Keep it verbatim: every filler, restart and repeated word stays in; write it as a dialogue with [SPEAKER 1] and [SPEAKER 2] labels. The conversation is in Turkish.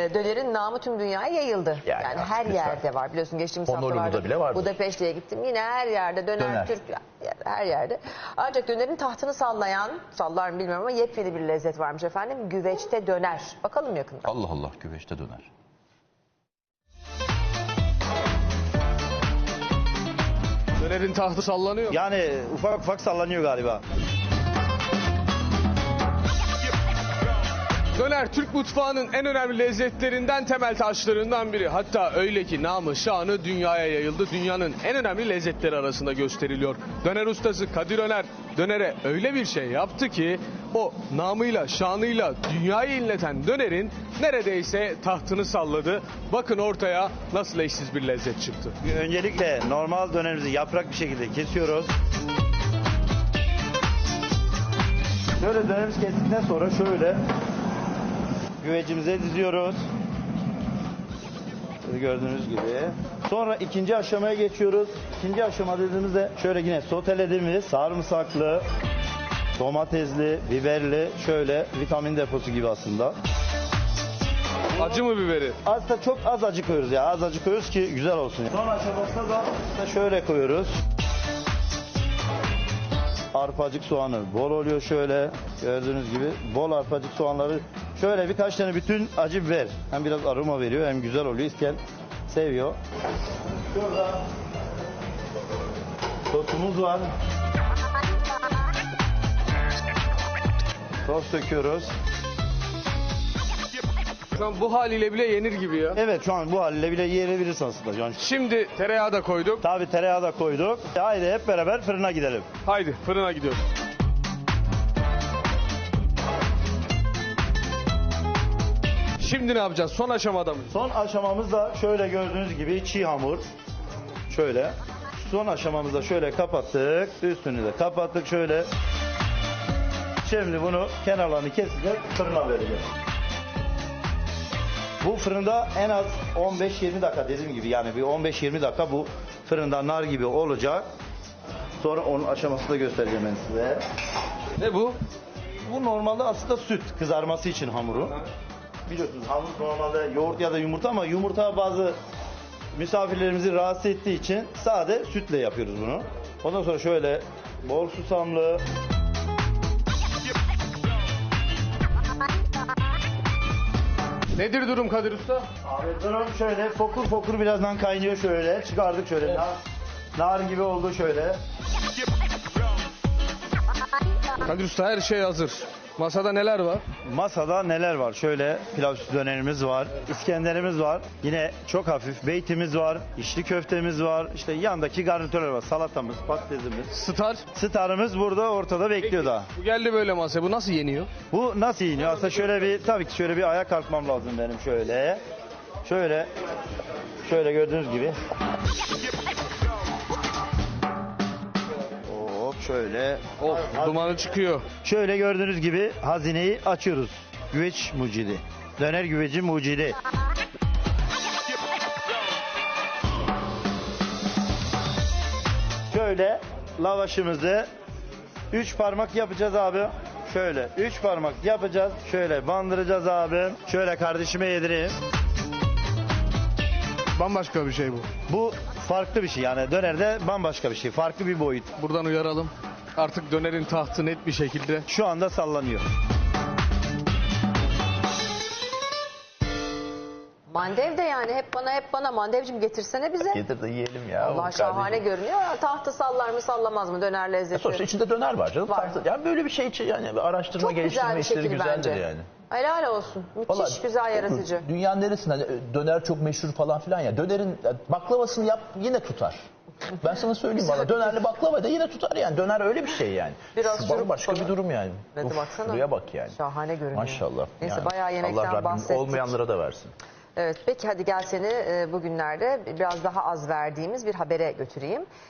[SPEAKER 1] dönerin namı tüm dünyaya yayıldı. Yani,
[SPEAKER 2] Yani
[SPEAKER 1] her
[SPEAKER 2] lütfen.
[SPEAKER 1] yerde var. Biliyorsun geçtiğimiz
[SPEAKER 2] Honolulu'da
[SPEAKER 1] haftalarda
[SPEAKER 2] bile vardır.
[SPEAKER 1] Budapeşte'ye gittim. Yine her yerde döner,
[SPEAKER 2] Döner.
[SPEAKER 1] Türk her yerde. Ancak dönerin tahtını sallayan, sallar mı bilmiyorum ama yepyeni bir lezzet varmış efendim. Güveçte döner. Bakalım yakında.
[SPEAKER 2] Allah Allah, güveçte döner.
[SPEAKER 3] Dönerin tahtı sallanıyor.
[SPEAKER 4] Yani ufak ufak sallanıyor galiba.
[SPEAKER 3] Döner Türk mutfağının en önemli lezzetlerinden, temel taşlarından biri. Hatta öyle ki namı şanı dünyaya yayıldı. Dünyanın en önemli lezzetleri arasında gösteriliyor. Döner ustası Kadir Öner dönere öyle bir şey yaptı ki o namıyla şanıyla dünyayı inleten dönerin neredeyse tahtını salladı. Bakın ortaya nasıl eşsiz bir lezzet çıktı.
[SPEAKER 4] Öncelikle normal dönerimizi yaprak bir şekilde kesiyoruz. Şöyle dönerimizi kestikten sonra şöyle güvecimize diziyoruz. Şöyle gördüğünüz gibi. Sonra ikinci aşamaya geçiyoruz. İkinci aşama dediğimizde şöyle yine sotelediğimiz sarımsaklı, domatesli, biberli şöyle vitamin deposu gibi aslında.
[SPEAKER 3] Acı mı biberi?
[SPEAKER 4] Aslında çok az acı koyuyoruz ya. Az acı koyuyoruz ki güzel olsun. Son aşamasında da işte şöyle koyuyoruz. Arpacık soğanı bol oluyor şöyle. Gördüğünüz gibi bol arpacık soğanları. Şöyle birkaç tane bütün acı biber. Hem biraz aroma veriyor hem güzel oluyor. İsteyen seviyor. Şurada sosumuz var. Sos döküyoruz.
[SPEAKER 3] Şu an bu haliyle bile yenir gibi ya.
[SPEAKER 4] Evet şu an bu haliyle bile yiyebiliriz aslında. Yani
[SPEAKER 3] Şimdi tereyağı da koyduk.
[SPEAKER 4] tabii tereyağı da koyduk. Haydi hep beraber fırına gidelim.
[SPEAKER 3] Haydi fırına gidiyoruz. Şimdi ne yapacağız? Son aşamada mı?
[SPEAKER 4] Son aşamamız da şöyle gördüğünüz gibi çiğ hamur. Şöyle. Son aşamamızda şöyle kapattık. Üstünü de kapattık şöyle. Şimdi bunu kenarlarını keseceğiz. Fırına vereceğiz. Bu fırında en az on beş yirmi dakika dediğim gibi yani bir on beş yirmi dakika bu fırında nar gibi olacak. Sonra onun aşamasını da göstereceğim ben size.
[SPEAKER 3] Ne bu?
[SPEAKER 4] Bu normalde aslında süt kızarması için hamuru. Biliyorsunuz hamur normalde yoğurt ya da yumurta ama yumurta bazı misafirlerimizi rahatsız ettiği için sade sütle yapıyoruz bunu. Ondan sonra şöyle bol susamlı.
[SPEAKER 3] Nedir durum Kadir Usta?
[SPEAKER 4] Abi durum şöyle fokur fokur birazdan kaynıyor şöyle. Çıkardık şöyle. Nar, nar gibi oldu şöyle.
[SPEAKER 3] Kadir Usta her şey hazır. Masada neler var?
[SPEAKER 4] Masada neler var? Şöyle pilav sütü dönerimiz var, İskenderimiz var. Yine çok hafif beytimiz var, içli köftemiz var. İşte yandaki garnitörler var. Salatamız, patatesimiz.
[SPEAKER 3] Star.
[SPEAKER 4] Starımız burada ortada bekliyor da.
[SPEAKER 3] Bu geldi böyle masaya. Bu nasıl yeniyor?
[SPEAKER 4] Bu nasıl iniyor? Aslında şöyle bir tabii ki şöyle bir ayağa kalkmam lazım benim şöyle. Şöyle şöyle gördüğünüz gibi. Hop şöyle.
[SPEAKER 3] Of dumanı çıkıyor.
[SPEAKER 4] Şöyle gördüğünüz gibi hazineyi açıyoruz. Güveç mucidi. Döner güveci mucidi. Şöyle lavaşımızı üç parmak yapacağız abi. Şöyle üç parmak yapacağız. Şöyle bandıracağız abi. Şöyle kardeşime yedireyim.
[SPEAKER 3] Bambaşka bir şey bu.
[SPEAKER 4] Bu farklı bir şey yani dönerde bambaşka bir şey. Farklı bir boyut.
[SPEAKER 3] Buradan uyaralım. Artık dönerin tahtı net bir şekilde.
[SPEAKER 4] Şu anda sallanıyor.
[SPEAKER 1] Mandev de yani hep bana hep bana. Mandevcim getirsene bize.
[SPEAKER 2] Getir de yiyelim ya.
[SPEAKER 1] Allah şahane
[SPEAKER 2] kardeşim.
[SPEAKER 1] görünüyor. Tahtı sallar mı sallamaz mı döner lezzeti?
[SPEAKER 2] Sonuçta içinde döner var canım.
[SPEAKER 1] Var.
[SPEAKER 2] Farklı- Yani böyle bir şey için yani bir araştırma
[SPEAKER 1] Çok güzel
[SPEAKER 2] geliştirme
[SPEAKER 1] bir
[SPEAKER 2] işleri
[SPEAKER 1] şekil
[SPEAKER 2] güzeldir
[SPEAKER 1] bence.
[SPEAKER 2] yani.
[SPEAKER 1] Helal olsun. Müthiş
[SPEAKER 2] Vallahi,
[SPEAKER 1] güzel yaratıcı.
[SPEAKER 2] Dünyanın neresinde hani döner çok meşhur falan filan ya. Dönerin baklavasını yap yine tutar. Ben sana söyleyeyim valla dönerli baklava da yine tutar yani. Döner öyle bir şey yani.
[SPEAKER 1] Biraz
[SPEAKER 2] Şu
[SPEAKER 1] şurup
[SPEAKER 2] başka
[SPEAKER 1] falan.
[SPEAKER 2] bir durum yani.
[SPEAKER 1] Evet,
[SPEAKER 2] Uf,
[SPEAKER 1] baksana.
[SPEAKER 2] şuraya bak yani.
[SPEAKER 1] Şahane görünüyor.
[SPEAKER 2] Maşallah.
[SPEAKER 1] Neyse
[SPEAKER 2] yani.
[SPEAKER 1] bayağı yemekten
[SPEAKER 2] Allah Rabbim
[SPEAKER 1] bahsettik.
[SPEAKER 2] olmayanlara da versin.
[SPEAKER 1] Evet peki hadi gel seni e, bugünlerde biraz daha az verdiğimiz bir habere götüreyim.